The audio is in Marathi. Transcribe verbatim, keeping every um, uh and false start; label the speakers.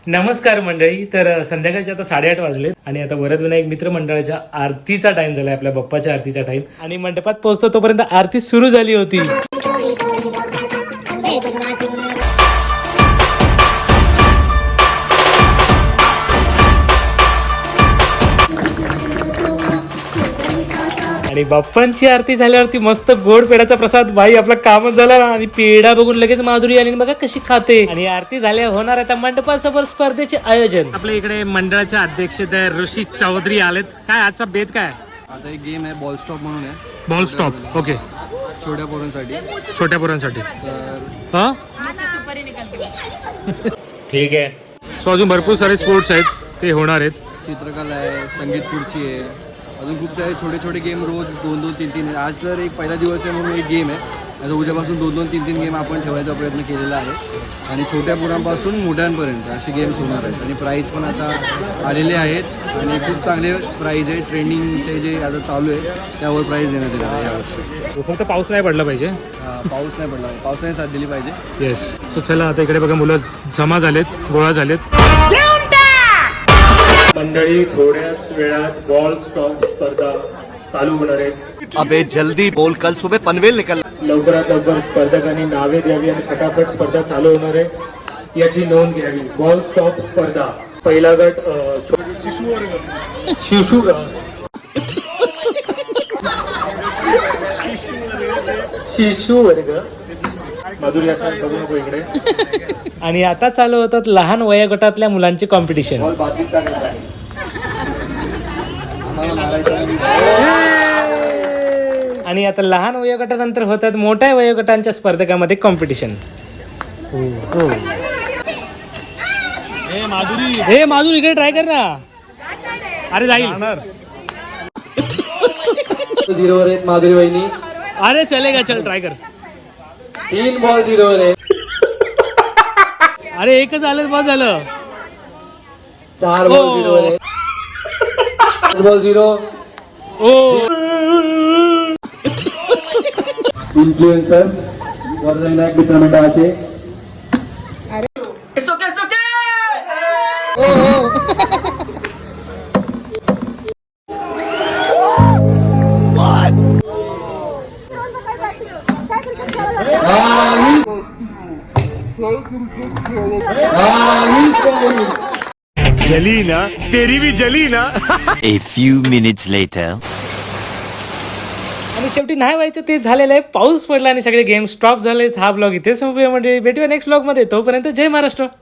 Speaker 1: नमस्कार मंडळी. तर संध्याकाळचे आता साडेआठ वाजलेत आणि आता वरदविनायक मित्र मंडळाच्या आरतीचा टाइम झालाय, आपल्या बाप्पाच्या आरतीचा टाइम. आणि मंडपात पोहोचतो तोपर्यंत आरती सुरू झाली होती. आणि बाप्पांची आरती झाल्यावरती मस्त गोड पेढाचा प्रसाद. भाई आपला कामच झाला. आणि पेढा बघून लगेच माधुरी आली, बघा कशी खाते. आणि आरती झाल्या होणार आता मंडपासमोर स्पर्धेचे आयोजन. आपल्या इकडे मंडळाचे अध्यक्ष ऋषी चौधरी आलेत. काय आजचा बेत काय?
Speaker 2: आता एक गेम आहे बॉल स्टॉप म्हणून आहे.
Speaker 1: Ball stop. ओके.
Speaker 2: छोट्या पोरांसाठी.
Speaker 1: छोट्या पोरांसाठी
Speaker 2: तर
Speaker 1: हा ठीक आहे. सो अजून भरपूर सारे स्पोर्ट्स आहेत, ते होणार आहेत.
Speaker 2: चित्रकला आहे, संगीत खुर्ची आहे, अजून खूप सारे छोटे छोटे गेम रोज दोन दोन तीन तीन आहे. आज तर एक पहिला दिवस आहे म्हणून एक गेम आहे. आता उद्यापासून दोन दोन तीन तीन गेम आपण ठेवायचा प्रयत्न केलेला आहे. आणि छोट्या मुलांपासून मोठ्यांपर्यंत असे गेम्स होणार आहेत. आणि प्राईज पण आता आलेले आहेत आणि खूप चांगले प्राईज आहे. ट्रेंडिंगचे जे आता चालू आहे त्यावर प्राईज देण्यात येणार आहे यावर्षी.
Speaker 1: फक्त पाऊस नाही पडला पाहिजे.
Speaker 2: पाऊस नाही पडला, पावसाने साथ दिली पाहिजे.
Speaker 1: येस. सो चला आता इकडे बघा, मुलं जमा झालेत, गोळा झालेत. मंडळी थोड्याच वेळात बॉल स्टॉप स्पर्धा चालू होणार आहे.
Speaker 3: अबे जल्दी बोल, कल सुबह पनवेल निकल.
Speaker 1: लवकरात लवकर स्पर्धकांनी नावे द्यावी आणि फटाफट स्पर्धा चालू होणार आहे याची नोंद घ्यावी. बॉल स्टॉप स्पर्धा. पहिला गट शिशु वर्ग. शिशु शिशु वर्ग. माधुरी असं बघू नको इकडे. आणि आता चालू होतात लहान वयोगटातल्या मुलांची कॉम्पिटिशन. आणि आता लहान वयोगटानंतर होतात मोठ्या वयोगटांच्या स्पर्धकांमध्ये कॉम्पिटिशन. हे माधुरी इकडे ट्राय कर ना. अरे जाईल.
Speaker 2: झिरोवर आहेत माधुरी वहिनी.
Speaker 1: अरे चलेगा, चल ट्राय कर.
Speaker 2: तीन बॉल झिरोवर आहे.
Speaker 1: अरे एकच आलं, बस झालं.
Speaker 2: चार बॉल झिरोवर आहे. पाच बॉल झिरो.
Speaker 1: ओ
Speaker 2: इन्फ्लुएन्सर वरदविनायक मित्र मंडळाचे.
Speaker 3: जली ना, तेरी भी जली ना.
Speaker 4: A few minutes later.
Speaker 1: आणि शेवटी नाही व्हायचं ते झालेलं आहे. पाऊस पडला आणि सगळे गेम स्टॉप झाले. हा ब्लॉग इथे संपूया मंडळी. भेटूया नेक्स्ट ब्लॉग मध्ये. तोपर्यंत जय महाराष्ट्र.